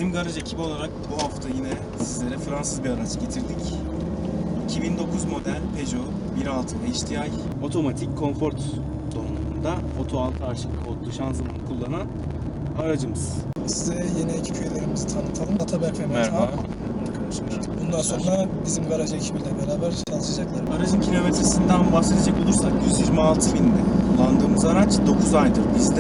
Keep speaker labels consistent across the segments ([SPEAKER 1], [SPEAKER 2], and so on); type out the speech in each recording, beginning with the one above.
[SPEAKER 1] Bizim garaj ekibi olarak bu hafta yine sizlere Fransız bir araç getirdik. 2009 model Peugeot 1.6 HDI otomatik konfort donanımında Oto 6 arşiv kodlu şanzıman kullanan aracımız.
[SPEAKER 2] Size yeni ekip üyelerimizi tanıtalım. Ataberk ve Mehmet.
[SPEAKER 3] Merhaba.
[SPEAKER 2] Bundan sonra bizim garaj ekibiyle beraber çalışacaklar.
[SPEAKER 1] Aracın kilometresinden bahsedecek olursak 126 binde kullandığımız araç 9 aydır bizde.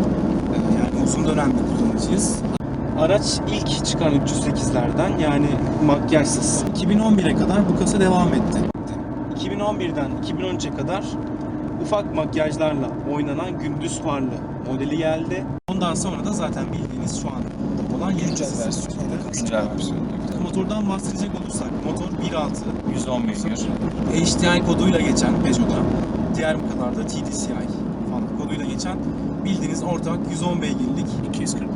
[SPEAKER 1] Yani uzun dönemde kullanıcıyız. Araç ilk çıkan 308'lerden yani makyajsız. 2011'e kadar bu kasa devam etti. 2011'den 2013'e kadar ufak makyajlarla oynanan gündüz farlı modeli geldi. Ondan sonra da zaten bildiğiniz şu an olan yeni
[SPEAKER 2] Güncel
[SPEAKER 1] kasası.
[SPEAKER 2] versiyonu.
[SPEAKER 3] Güncel versiyonu.
[SPEAKER 1] Motordan bahsedecek olursak motor 1.6
[SPEAKER 3] 110 beygir.
[SPEAKER 1] HDI koduyla geçen Peugeot'da, diğer markalarda TDCI falan koduyla geçen bildiğiniz ortak 110 beygirlik 240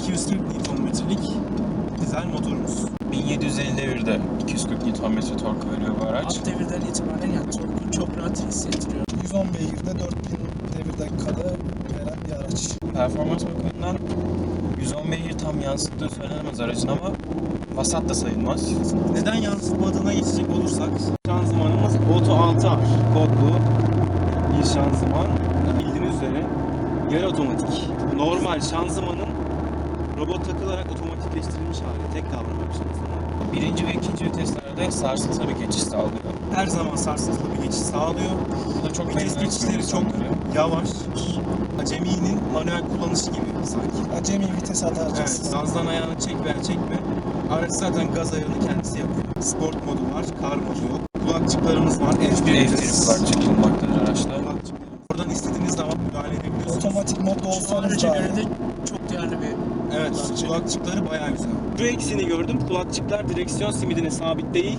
[SPEAKER 1] Nm'lik dizel motorumuz.
[SPEAKER 3] 1750 devirde 240 Nm tork veriyor bu araç.
[SPEAKER 4] Alt devirden itibaren yani torku çok rahat hissettiriyor.
[SPEAKER 2] 110 beygirde 4000 devir dakikada veren bir araç.
[SPEAKER 3] Performans bakımından 110 beygir tam yansıttığı söylenemez aracın ama vasat da sayılmaz.
[SPEAKER 1] Neden yansıtmadığına geçecek olursak şanzımanımız Oto 6R kodlu bir şanzıman. Bildiğiniz üzere yarı otomatik. Normal şanzımanın robot takılarak otomatikleştirilmiş hali. Tek kavramlı bir şanzıman.
[SPEAKER 3] Birinci ve ikinci viteslerde sarsıntılı bir geçiş sağlıyor.
[SPEAKER 1] Her zaman sarsıntılı bir geçiş sağlıyor.
[SPEAKER 3] Bu da çok
[SPEAKER 1] Vites
[SPEAKER 3] memnun etmiyor
[SPEAKER 1] geçişleri çok
[SPEAKER 3] insanları.
[SPEAKER 1] yavaş. Aceminin manuel kullanışı gibi sanki.
[SPEAKER 2] Acemi vites
[SPEAKER 1] Evet,
[SPEAKER 2] atacaksınız.
[SPEAKER 1] gazdan ayağını çek ver çekme. Araç zaten gaz ayarını kendisi yapıyor. Sport modu var, kar modu yok. Kulakçıklarımız var,
[SPEAKER 3] Elektrik kulakçık bulunmaktadır araçta.
[SPEAKER 1] Oradan istediğiniz zaman müdahale edebiliyorsunuz.
[SPEAKER 2] Otomatik modda
[SPEAKER 4] Şu
[SPEAKER 2] olsanız
[SPEAKER 4] araca
[SPEAKER 2] daha
[SPEAKER 4] göre de
[SPEAKER 2] iyi.
[SPEAKER 4] çok değerli bir
[SPEAKER 1] Evet,
[SPEAKER 4] kulakçık.
[SPEAKER 1] kulakçıkları bayağı güzel. Şu eksiğini gördüm, kulakçıklar direksiyon simidine sabit değil.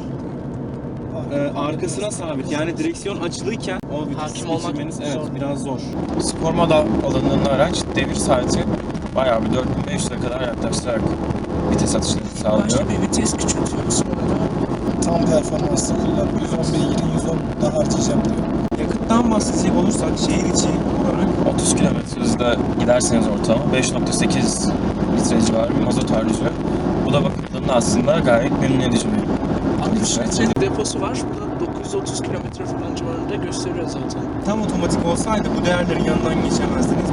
[SPEAKER 1] Arkasına sabit. Yani direksiyon açılıyken o vitesi
[SPEAKER 4] Hakim olmak
[SPEAKER 1] geçirmeniz
[SPEAKER 4] zor.
[SPEAKER 1] biraz zor.
[SPEAKER 3] Spor moda alanında araç devir saati bayağı bir 4500'e kadar yaklaştırarak vites atışını sağlıyor.
[SPEAKER 4] Başka bir vites küçültüyoruz orada.
[SPEAKER 2] Tam performanslı kullan. 110 beygirin 110 daha harcayacağım diyor.
[SPEAKER 1] Yakıttan bahsedecek olursak şehir içi olarak
[SPEAKER 3] 30 km hızda giderseniz ortalama 5.8 litre civarı bir mazot harcıyor. Bu da bakımlarında aslında gayet memnun edici bir
[SPEAKER 4] 60 litre deposu var. Bu da 930 kilometre falan civarında gösteriyor zaten.
[SPEAKER 1] tam otomatik olsaydı bu değerlerin yanından geçemezdiniz.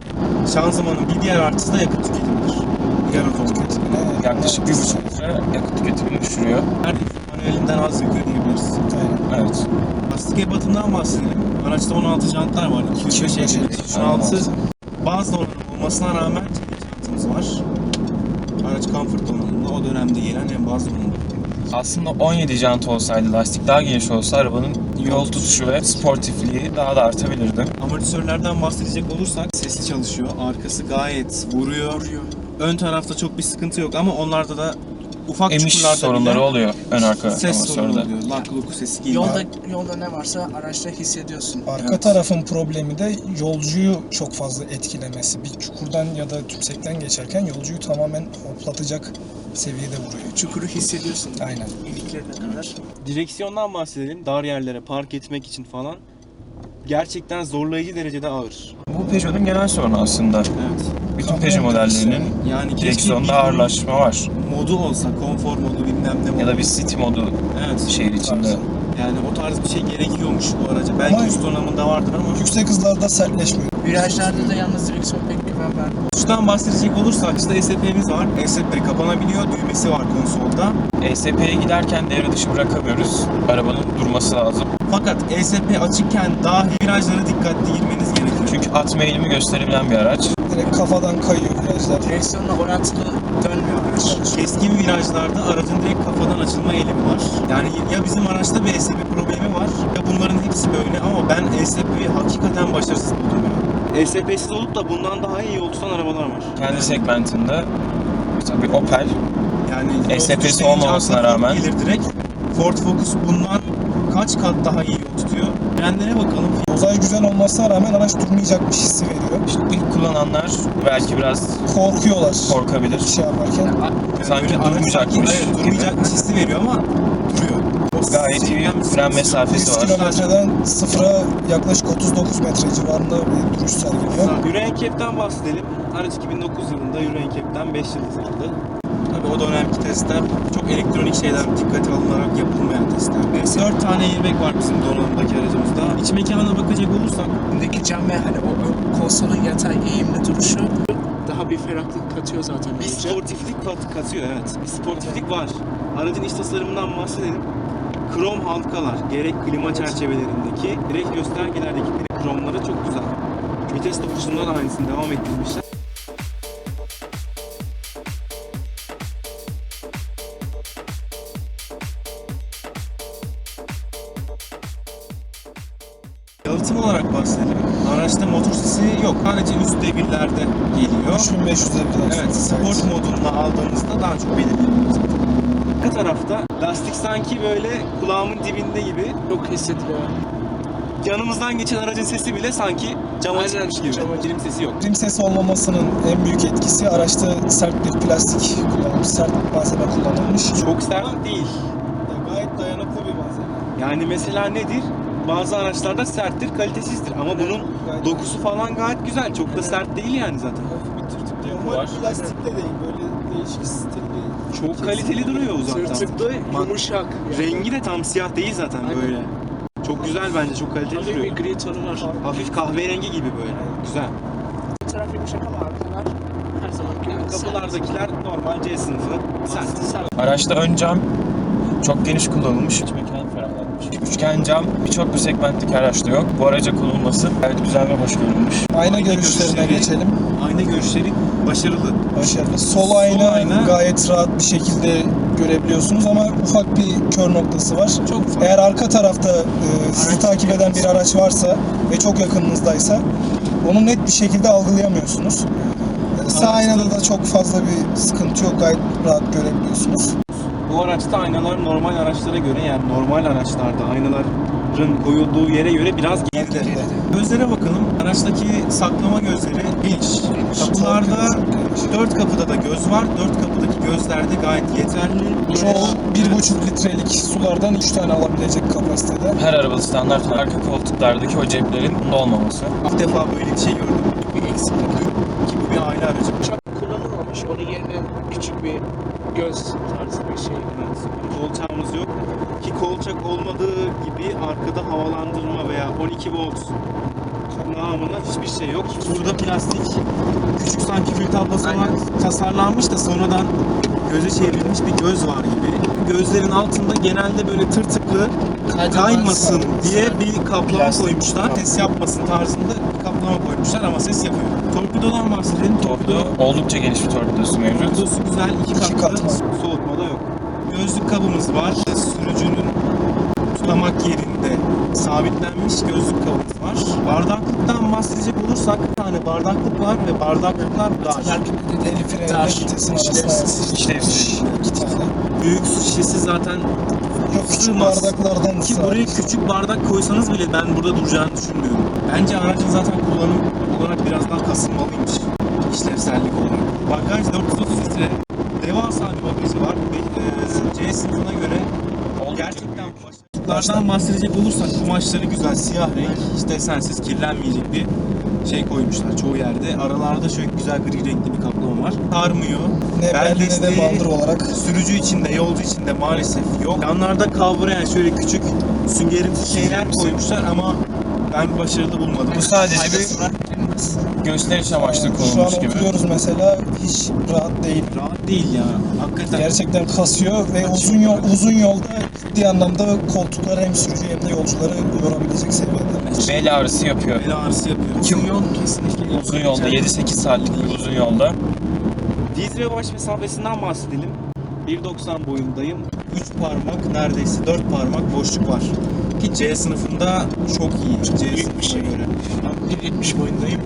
[SPEAKER 1] Bu şanzımanın bir diğer artısı da yakıt tüketimidir. Diğer otomatik.
[SPEAKER 3] yaklaşık 1.5 litre yakıt tüketimini düşürüyor.
[SPEAKER 1] Her manuelinden az yakıyor diyebiliriz.
[SPEAKER 2] Aynen.
[SPEAKER 3] Evet.
[SPEAKER 1] Lastik ebatından bahsedelim. Araçta 16 jantlar var. 205 16 bazı donanım olmasına rağmen çelik jantımız var. Araç comfort donanımda o dönemde gelen en bazı donanım.
[SPEAKER 3] Aslında 17 jant olsaydı, lastik daha geniş olsa arabanın yol tutuşu ve sportifliği daha da artabilirdi.
[SPEAKER 1] Amortisörlerden bahsedecek olursak sesli çalışıyor. Arkası gayet vuruyor. Ön tarafta çok bir sıkıntı yok ama onlarda da ufak
[SPEAKER 3] Emiş
[SPEAKER 1] çukurlarda
[SPEAKER 3] sorunları
[SPEAKER 1] bile
[SPEAKER 3] oluyor ön arka
[SPEAKER 1] ses sorunu
[SPEAKER 3] amortisörde.
[SPEAKER 1] oluyor. Lak luku sesi geliyor.
[SPEAKER 4] Yolda ne varsa araçta hissediyorsun.
[SPEAKER 2] Arka
[SPEAKER 1] Evet.
[SPEAKER 2] tarafın problemi de yolcuyu çok fazla etkilemesi. Bir çukurdan ya da tümsekten geçerken yolcuyu tamamen hoplatacak seviyede vuruyor.
[SPEAKER 4] Çukuru hissediyorsun.
[SPEAKER 2] Aynen.
[SPEAKER 4] İliklerine kadar.
[SPEAKER 1] Direksiyondan bahsedelim. Dar yerlere park etmek için falan gerçekten zorlayıcı derecede ağır.
[SPEAKER 3] Bu Peugeot'un genel sorunu aslında.
[SPEAKER 1] Evet.
[SPEAKER 3] Bütün
[SPEAKER 2] Kamyon
[SPEAKER 3] Peugeot modellerinin
[SPEAKER 1] Yani keşke
[SPEAKER 3] direksiyonda
[SPEAKER 1] bir
[SPEAKER 3] ağırlaşma var.
[SPEAKER 1] modu olsa, konfor modu bilmem ne modu.
[SPEAKER 3] Ya da bir city modu
[SPEAKER 1] Evet.
[SPEAKER 3] şehir içinde.
[SPEAKER 1] Yani o tarz bir şey gerekiyormuş bu araca. Belki
[SPEAKER 2] Ama-
[SPEAKER 1] üst donanımında vardır ama
[SPEAKER 2] Yüksek hızlarda sertleşmiyor.
[SPEAKER 4] Virajlarda da yalnız direksiyon pek güven vermiyor.
[SPEAKER 1] uçtan bahsedecek olursak işte ESP'miz var. ESP kapanabiliyor. Düğmesi var konsolda.
[SPEAKER 3] ESP'ye giderken devre dışı bırakamıyoruz. Arabanın durması lazım.
[SPEAKER 1] Fakat ESP açıkken dahi virajlara dikkatli girmeniz gerekiyor.
[SPEAKER 3] Çünkü atma eğilimi gösterebilen bir araç.
[SPEAKER 2] Direkt kafadan kayıyor virajlar.
[SPEAKER 4] Direksiyonla orantılı dönmüyor araç.
[SPEAKER 1] Keskin virajlarda aracın direkt kafadan açılma eğilimi var. Yani ya bizim araçta bir ESP problemi var ya bunların hepsi böyle ama ben ESP'yi hakikaten başarısız buldum ya. ESP'siz olup da bundan daha iyi yol tutan arabalar var.
[SPEAKER 3] Kendi segmentinde mesela bir Opel
[SPEAKER 1] Yani
[SPEAKER 3] ESP'si
[SPEAKER 1] yol tutuş deyince
[SPEAKER 3] olmamasına
[SPEAKER 1] akla Ford
[SPEAKER 3] rağmen-
[SPEAKER 1] gelir direkt. Ford Focus bundan kaç kat daha iyi yol tutuyor. Frenlere bakalım.
[SPEAKER 2] Dozaj güzel olmasına rağmen araç durmayacakmış hissi veriyor.
[SPEAKER 3] işte ilk kullananlar belki biraz
[SPEAKER 2] Korkuyorlar.
[SPEAKER 3] korkabilir.
[SPEAKER 2] Şey yaparken.
[SPEAKER 3] Sanki
[SPEAKER 1] Böyle araç
[SPEAKER 3] durmayacakmış
[SPEAKER 1] sanki, evet,
[SPEAKER 3] gibi.
[SPEAKER 1] durmayacakmış hissi veriyor ama duruyor. O
[SPEAKER 3] Gayet iyi bir fren
[SPEAKER 2] 100
[SPEAKER 3] mesafesi var.
[SPEAKER 2] kilometreden sıfıra yaklaşık 39 metre civarında bir duruş sergiliyor.
[SPEAKER 1] Euro NCAP'ten bahsedelim. Araç 2009 yılında Euro NCAP'ten 5 yıldız aldı. Tabii o dönemki testler çok elektronik şeyler dikkate alınarak yapılmayan testler. 4 tane airbag var bizim donanımdaki aracımızda. İç mekana bakacak olursak
[SPEAKER 4] Öndeki cam ve hani o ön konsolun yatay eğimli duruşu daha bir ferahlık katıyor zaten.
[SPEAKER 1] bir
[SPEAKER 4] iyice.
[SPEAKER 1] sportiflik katıyor, evet. Bir sportiflik var. Aracın iç tasarımından bahsedelim. Krom halkalar, gerek klima çerçevelerindeki, direkt göstergelerdeki kromları çok güzel. Vites topuşunda da aynısını devam ettirmişler. Yalıtım olarak bahsedelim. Araçta motor sesi yok. Sadece üst devirlerde geliyor.
[SPEAKER 2] 3500 kadar.
[SPEAKER 1] Evet, sport modunda aldığınızda daha çok belirleniyor zaten. Arka tarafta lastik sanki böyle kulağımın dibinde gibi.
[SPEAKER 4] Çok hissediliyor.
[SPEAKER 1] Yanımızdan geçen aracın sesi bile sanki cama
[SPEAKER 4] Aynen,
[SPEAKER 1] çıkmış gibi.
[SPEAKER 4] cama.
[SPEAKER 1] Kilim sesi yok.
[SPEAKER 2] Rim sesi olmamasının en büyük etkisi araçta sert bir plastik kullanılmış, sert bir malzeme kullanılmış.
[SPEAKER 1] Çok sert değil.
[SPEAKER 2] Gayet dayanıklı bir malzeme.
[SPEAKER 1] Yani mesela nedir? Bazı araçlarda serttir, kalitesizdir. Ama bunun dokusu falan gayet güzel. Çok da sert değil yani zaten.
[SPEAKER 3] Var.
[SPEAKER 2] Plastik de değil, böyle değişik stilli.
[SPEAKER 1] Çok kaliteli duruyor uzaktan.
[SPEAKER 4] Tırtıklı, yumuşak.
[SPEAKER 1] Rengi de tam siyah değil zaten
[SPEAKER 4] Aynen.
[SPEAKER 1] böyle. Çok güzel bence, çok kaliteli
[SPEAKER 4] Hafif bir
[SPEAKER 1] duruyor.
[SPEAKER 4] gri tonu var.
[SPEAKER 1] Hafif kahverengi gibi böyle. Güzel.
[SPEAKER 4] Bu taraf yumuşak ama arkalar her zamanki gibi sert.
[SPEAKER 1] Kapılardakiler normal C sınıfı. Sert.
[SPEAKER 3] Araçta ön cam çok geniş kullanılmış. İç mekanı ferahlatmış. Üçgen cam birçok bir segmentteki araçta yok. Bu araca konulması gayet güzel ve hoş görülmüş.
[SPEAKER 2] Ayna görüşlerine geçelim.
[SPEAKER 1] Ayna görüşleri başarılı.
[SPEAKER 2] Başarılı. Sol ayna gayet rahat bir şekilde görebiliyorsunuz ama ufak bir kör noktası var.
[SPEAKER 1] Çok ufak.
[SPEAKER 2] Eğer arka tarafta sizi takip eden bir araç varsa ve çok yakınınızdaysa onu net bir şekilde algılayamıyorsunuz. Sağ aynada da çok fazla bir sıkıntı yok. Gayet rahat görebiliyorsunuz.
[SPEAKER 1] Bu araçta aynalar normal araçlara göre, yani normal araçlarda aynaların koyulduğu yere göre biraz geride. Gözlere bakalım. Araçtaki saklama gözleri geniş. Kapılarda 4 kapıda da göz var. 4 kapıdaki gözler de gayet yeterli.
[SPEAKER 2] Çoğu 1,5 litrelik sulardan 3 tane alabilecek kapasitede.
[SPEAKER 3] Her arabada standart arka koltuklardaki o ceplerin bunda olmaması.
[SPEAKER 1] İlk defa böyle bir şey gördüm. Bir eksiklik ki bu bir aile aracı.
[SPEAKER 4] Çok kullanılmamış. Onun yerine küçük bir göz tarzı bir şey.
[SPEAKER 1] Kolçağımız yok. Ki kolçak olmadığı gibi arkada havalandırma veya 12 volt namına hiçbir şey yok. Burada plastik küçük sanki kül tablası olarak tasarlanmış da sonradan göze çevrilmiş bir göz var gibi. Gözlerin altında genelde böyle tırtıklı kaymasın diye bir kaplama
[SPEAKER 2] Plastik.
[SPEAKER 1] koymuşlar. Ses yapmasın tarzında bir kaplama koymuşlar ama ses yapıyor. Torpidodan bahsedelim.
[SPEAKER 3] Torpido oldukça geniş bir torpidosu mevcut.
[SPEAKER 1] Torpidosu güzel, iki katlı,
[SPEAKER 2] katman.
[SPEAKER 1] soğutma da yok. Gözlük kabımız var. Sürücünün tutamak yerinde sabitlenmiş gözlük kabımız var. Bardaklıktan bahsedecek olursak bir tane bardaklık var ve bardaklıklar dar.
[SPEAKER 2] El freni vitesin arasında
[SPEAKER 3] İşlevsiz.
[SPEAKER 2] 2 tane.
[SPEAKER 1] Büyük su şişesi zaten
[SPEAKER 2] Yok küçük
[SPEAKER 1] sığmaz.
[SPEAKER 2] bardaklardan
[SPEAKER 1] Ki buraya küçük bardak koysanız bile ben burada duracağını düşünmüyorum. Bence aracın zaten kullanım olarak biraz daha kasılmalıymış. İşlevsellik olarak. Bagaj 430 litre. Devasa bir bagajı var. C sınıfına göre gerçekten başlıklardan bahsedecek olursak kumaşları güzel, siyah renk, hiç desensiz, kirlenmeyecek bir şey koymuşlar çoğu yerde. Aralarda şöyle güzel gri renkli bir kaplama var. Sarmıyor.
[SPEAKER 2] ne
[SPEAKER 1] Bel
[SPEAKER 2] belli ne de
[SPEAKER 1] desteği
[SPEAKER 2] bandır olarak.
[SPEAKER 1] sürücü içinde, yolcu içinde maalesef yok. Yanlarda kavrayan şöyle küçük süngerimsi şeyler koymuşlar ama ben başarılı bulmadım.
[SPEAKER 3] Bu sadece bir gösteriş amaçlı
[SPEAKER 2] Şu an
[SPEAKER 3] konulmuş gibi.
[SPEAKER 2] oturuyoruz mesela hiç rahat değil.
[SPEAKER 1] Rahat değil ya. Hakikaten.
[SPEAKER 2] Gerçekten kasıyor ve uzun yolda ciddi anlamda koltukları hem sürücü hem de yolcuları yorabilecek seviyede.
[SPEAKER 3] Bel ağrısı yapıyor.
[SPEAKER 1] Bel ağrısı yapıyor. Uzun yol kesinlikle.
[SPEAKER 3] Uzun yolda 7-8 saatlik bir uzun yolda.
[SPEAKER 1] Diz ve baş mesafesinden bahsedelim. 1.90 boyundayım. 3 parmak, neredeyse 4 parmak boşluk var. Ki C sınıfında çok iyi. C
[SPEAKER 4] Büyük bir şey.
[SPEAKER 1] sınıfına göre.
[SPEAKER 4] Ben 1.70 boyundayım.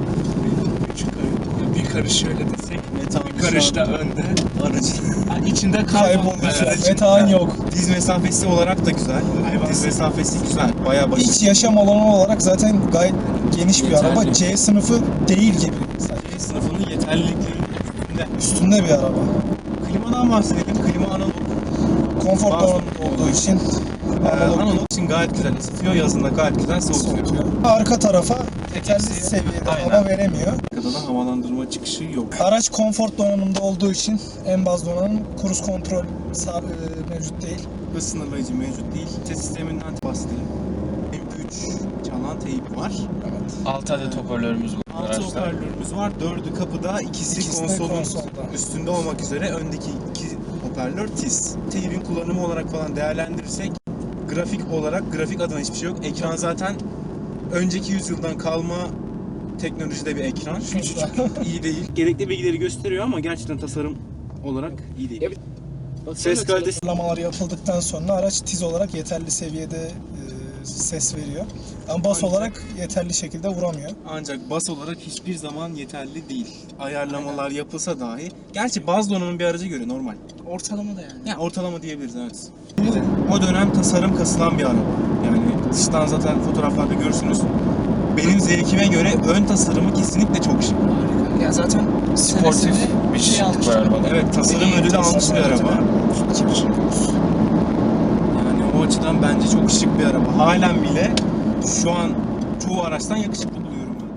[SPEAKER 4] Bir karış şöyle desek.
[SPEAKER 1] Metan
[SPEAKER 4] Bir karış da önde.
[SPEAKER 1] aracın
[SPEAKER 4] Yani içinde
[SPEAKER 2] Kaybolmuş.
[SPEAKER 4] kaybolmuş.
[SPEAKER 2] Metan yok.
[SPEAKER 1] diz mesafesi olarak da güzel. Diz mesafesi güzel. Bayağı başarılı.
[SPEAKER 2] İç yaşam alanı olarak zaten gayet geniş bir
[SPEAKER 3] Yeterli.
[SPEAKER 2] araba. C sınıfı değil gibi.
[SPEAKER 1] C sınıfının yeterliliklerinin üstünde.
[SPEAKER 2] Üstünde bir araba.
[SPEAKER 1] Klimadan bahsedelim. Klima analog.
[SPEAKER 2] Konfor
[SPEAKER 1] Bazı-
[SPEAKER 2] donanımlı olduğu için
[SPEAKER 1] Analog için gayet güzel ısıtıyor, yazında gayet güzel soğutuyor.
[SPEAKER 2] soğutuyor. Arka tarafa yeterli
[SPEAKER 3] Eksi.
[SPEAKER 2] seviyede
[SPEAKER 3] Aynen.
[SPEAKER 2] hava veremiyor.
[SPEAKER 1] Arkada da havalandırma çıkışı yok.
[SPEAKER 2] Araç konfor donanımda olduğu için en baz donanım cruise kontrol mevcut değil.
[SPEAKER 1] Hız sınırlayıcı mevcut değil. Ses sisteminden bahsedeyim. MP3 çalan teyp var.
[SPEAKER 2] Evet.
[SPEAKER 3] 6 adet hoparlörümüz var
[SPEAKER 1] 6
[SPEAKER 3] araçta.
[SPEAKER 1] hoparlörümüz var. 4'ü kapıda, ikisi
[SPEAKER 2] İkisi de
[SPEAKER 1] konsolun
[SPEAKER 2] konsolda.
[SPEAKER 1] üstünde olmak üzere öndeki 2 hoparlör tiz. Teybin kullanımı olarak falan değerlendirirsek grafik adına hiçbir şey yok. Ekran zaten önceki yüzyıldan kalma teknolojide bir ekran. Küçücük, iyi değil. Gerekli bilgileri gösteriyor ama gerçekten tasarım olarak iyi değil. Ses kalitesi
[SPEAKER 2] Sınırlamalar yapıldıktan sonra araç tiz olarak yeterli seviyede ses veriyor. Ama bas
[SPEAKER 1] Ancak-
[SPEAKER 2] olarak yeterli şekilde vuramıyor.
[SPEAKER 1] ancak bas olarak hiçbir zaman yeterli değil. Ayarlamalar yapılsa dahi. Gerçi baz donanım bir araca göre normal.
[SPEAKER 4] Ortalama da yani.
[SPEAKER 1] Yani ortalama diyebiliriz, evet. O dönem tasarım kasılan bir araba. Yani dıştan zaten fotoğraflarda görürsünüz. Benim zevkime göre ön tasarımı kesinlikle çok şık.
[SPEAKER 4] Harika. Ya zaten
[SPEAKER 3] Sportif
[SPEAKER 4] senesinde
[SPEAKER 3] bir şıklık
[SPEAKER 4] almıştı.
[SPEAKER 3] var arabada.
[SPEAKER 1] Evet, tasarım ödülü almış bir araba. Yani o açıdan bence çok şık bir araba. Halen bile şu an çoğu araçtan yakışıklı buluyorum ben.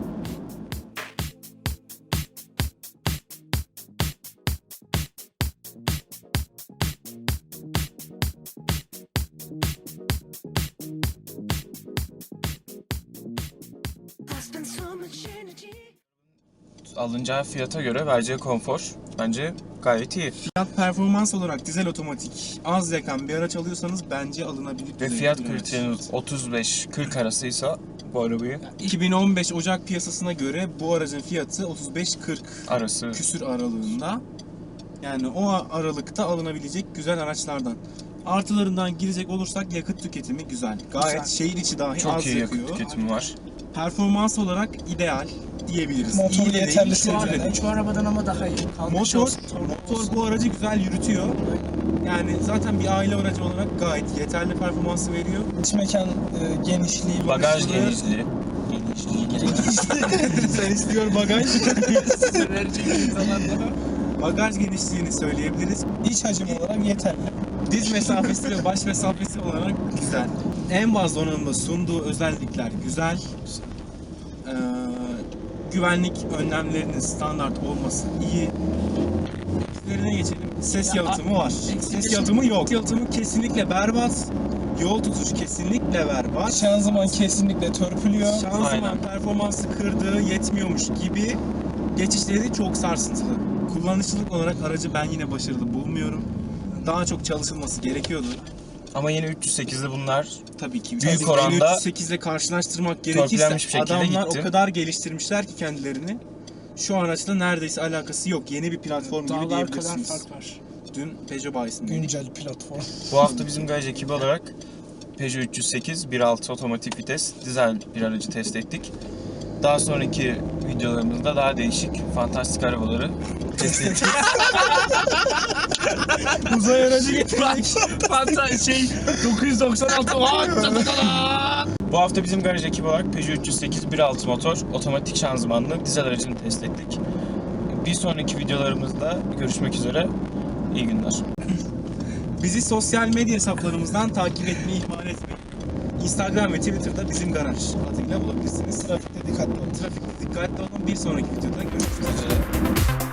[SPEAKER 3] Alınacağı fiyata göre vereceği konfor bence gayet iyi.
[SPEAKER 1] Fiyat performans olarak dizel otomatik az yakan bir araç alıyorsanız bence alınabilir.
[SPEAKER 3] Ve
[SPEAKER 1] düzeyde
[SPEAKER 3] fiyat
[SPEAKER 1] bir araç.
[SPEAKER 3] kriteriniz 35-40 arasıysa bu arabayı
[SPEAKER 1] 2015 Ocak piyasasına göre bu aracın fiyatı 35-40
[SPEAKER 3] arası
[SPEAKER 1] küsür aralığında. Yani o aralıkta alınabilecek güzel araçlardan. Artılarından girecek olursak yakıt tüketimi güzel. Gayet
[SPEAKER 2] Güzel.
[SPEAKER 1] şehir içi dahi
[SPEAKER 3] çok
[SPEAKER 1] az
[SPEAKER 3] iyi
[SPEAKER 1] yakıyor.
[SPEAKER 3] yakıt tüketimi var.
[SPEAKER 1] Performans olarak ideal diyebiliriz.
[SPEAKER 2] Motor
[SPEAKER 1] İyi de değil,
[SPEAKER 2] yeterli
[SPEAKER 1] şu an da
[SPEAKER 2] seviyede.
[SPEAKER 1] değil.
[SPEAKER 4] Şu arabadan ama daha iyi. Kalkış
[SPEAKER 1] Motor,
[SPEAKER 4] olsun, torku olsun.
[SPEAKER 1] motor bu aracı güzel yürütüyor. Yani zaten bir aile aracı olarak gayet yeterli performansı veriyor.
[SPEAKER 2] İç mekan genişliği,
[SPEAKER 3] Bagaj
[SPEAKER 1] Konuşulur.
[SPEAKER 3] genişliği.
[SPEAKER 1] Sen istiyor bagaj.
[SPEAKER 4] Vereceğim zamanlarda.
[SPEAKER 1] Bagaj genişliğini söyleyebiliriz.
[SPEAKER 2] iç hacim olarak yeterli.
[SPEAKER 1] Diz mesafesi ve baş mesafesi olarak güzel. En baz donanımda sunduğu özellikler güzel. Güvenlik önlemlerinin standart olması iyi. Eksilerine geçelim. Ses yalıtımı var. Ses yalıtımı yok. Ses yalıtımı kesinlikle berbat. Yol tutuş kesinlikle berbat.
[SPEAKER 2] Şanzıman kesinlikle törpülüyor.
[SPEAKER 1] Şanzıman
[SPEAKER 3] Aynen.
[SPEAKER 1] performansı kırdığı yetmiyormuş gibi geçişleri çok sarsıntılı. Kullanışlılık olarak aracı ben yine başarılı bulmuyorum. Daha çok çalışılması gerekiyordu.
[SPEAKER 3] Ama yeni 308'de bunlar
[SPEAKER 1] Tabii ki.
[SPEAKER 3] Büyük
[SPEAKER 1] Tabii
[SPEAKER 3] oranda
[SPEAKER 1] 308 ile karşılaştırmak gerekirse
[SPEAKER 3] törpülenmiş bir şekilde
[SPEAKER 1] adamlar
[SPEAKER 3] gitti.
[SPEAKER 1] o kadar geliştirmişler ki kendilerini. Şu araçla neredeyse alakası yok. Yeni bir platform gibi
[SPEAKER 4] Dağlar kadar
[SPEAKER 1] diyebilirsiniz.
[SPEAKER 4] fark var.
[SPEAKER 1] Dün Peugeot bayisinde.
[SPEAKER 2] Güncel platform.
[SPEAKER 3] bu hafta bizim garaj ekibi olarak Peugeot 308 1.6 otomatik vites dizel bir aracı test ettik. Daha sonraki videolarımızda daha değişik, fantastik arabaları test edeceğiz.
[SPEAKER 1] Uzay aracı getirdik.
[SPEAKER 4] Fanta 996
[SPEAKER 3] Bu hafta bizim garaj ekibi olarak Peugeot 308 1.6 motor otomatik şanzımanlı dizel aracını test ettik. Bir sonraki videolarımızda görüşmek üzere. İyi günler.
[SPEAKER 1] Bizi sosyal medya hesaplarımızdan takip etmeyi ihmal etmeyin. Instagram ve Twitter'da bizim garaj adıyla bulabilirsiniz.
[SPEAKER 2] Trafikte dikkatli olun.
[SPEAKER 1] Trafikte dikkatli olun. Bir sonraki videoda görüşmek üzere.
[SPEAKER 3] Üzere.